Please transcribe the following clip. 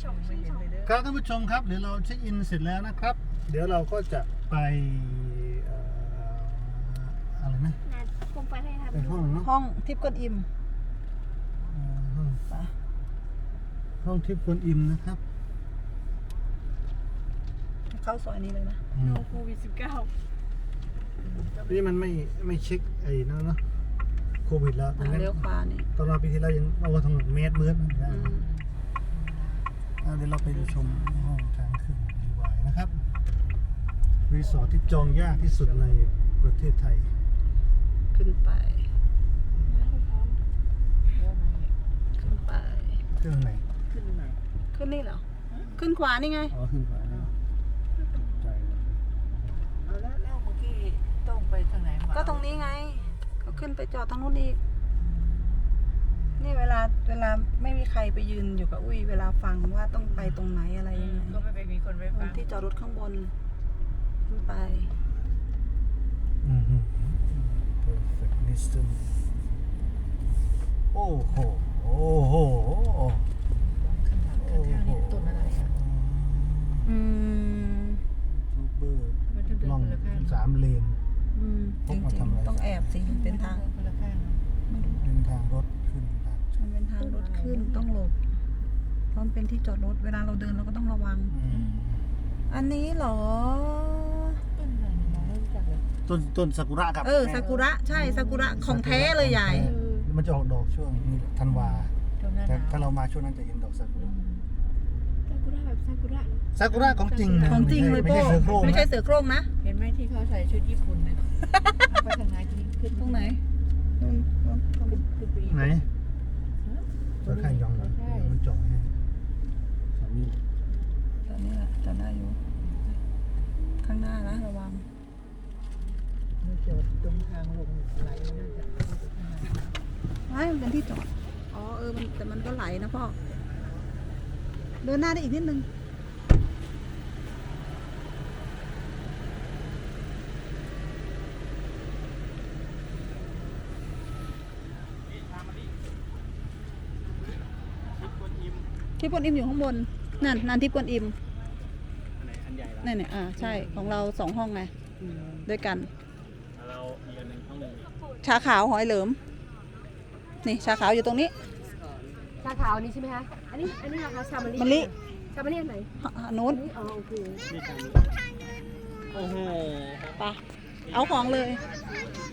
ครับท่านผู้ชมครับเดี๋ยวเราเช็คอินเสร็จแล้วนะครับ เดี๋ยวเราก็จะไปอะไรนะคงไปให้ทำไปห้องเนาะห้องทิพย์กวนอิมห้องทิพย์กวนอิมนะครับเข้าซอยนี้เลยนะโควิด19 นี่มันไม่เช็คไอ้นั่นเนาะโควิดแล้วเลี้ยวขวานี่ตอนเราปีที่แล้วยังเอาถนนเมตรมืดนะเดี๋ยวเราไปชมห้องทางขึ้นดีวายนะครับ รีสอร์ทที่จองยากที่สุดในประเทศไทยขึ้นไปขึ้นไปเครื่องไหนขึ้นนี่เหรอขึ้นขวานี่ไงอ๋อขึ้นขวาเนี่ยตกใจเลยแล้วเมื่อกี้ต้องไปทางไหนมาก็ตรงนี้ไงก็ขึ้นไปจอดทางนู้นอีกนี่เวลาไม่มีใครไปยืนอยู่กับอุ้ยเวลาฟังว่าต้องไปตรงไหนอะไรยังไงก็ไม่ไปมีคนไปฟังที่จอดรถข้างบนขึ้นไป perfect distance โอ้โหโอ้โหข้างหลังข้างๆนี่ต้นอะไรอ่ะยูทูบเบอร์มันจะเดินล่องคนละข้าง 3 เลนจริงๆต้องแอบสิมันเป็นทางคนละข้างเป็นทางรถขึ้นทางมันเป็นทางรถขึ้นต้องหลบเพราะมันเป็นที่จอดรถเวลาเราเดินเราก็ต้องระวัง อันนี้เหรอต้นอะไรมองไม่รู้จักเลยต้นซากุระครับซากุระใช่ซากุระของแท้เลยใหญ่มันจะออกดอกช่วงนี้ธันวาตรงนั้นแต่ถ้าเรามาช่วงนั้นจะเห็นดอกซากุระซากุระแบบซากุระซากุระของจริงนะของจริงเลยไม่โป้ใช่เสือโคร่งไม่ใช่นะเสือโคร่งนะเห็นไหมที่เขาใส่ชุดญี่ปุ่นนะไปทางไหนขึ้นตรงไหนนู่นขึ้นไปอีกไหนจะข้างยองเหรอมันจองให้สามีตอนนี้แหละจอดได้อยู่ ข้างหน้านะระวังมันจอดตรงทางลงไหลน่าจะเข้าไปข้างในไม่มันเป็นที่จอด อ๋อแต่มันก็ไหลนะพ่อ เดินหน้าได้อีกนิดนึง ทิพย์กวนอิมอยู่ข้างบน นั่นทิพย์กวนอิมนี่เนี่ยใช่ ของเรา2 ห้องไง ด้วยกันเราอีกอันหนึ่งห้องหนึ่งชาขาวหอยเหลิม นี่ชาขาวอยู่ตรงนี้ชาขาวนี้ใช่ไหมคะอันนี้ราคาชามะลิมะลิชามะลิอันไหนนู้นอ๋อโอเคโอ้โหไปเอาของเลยเ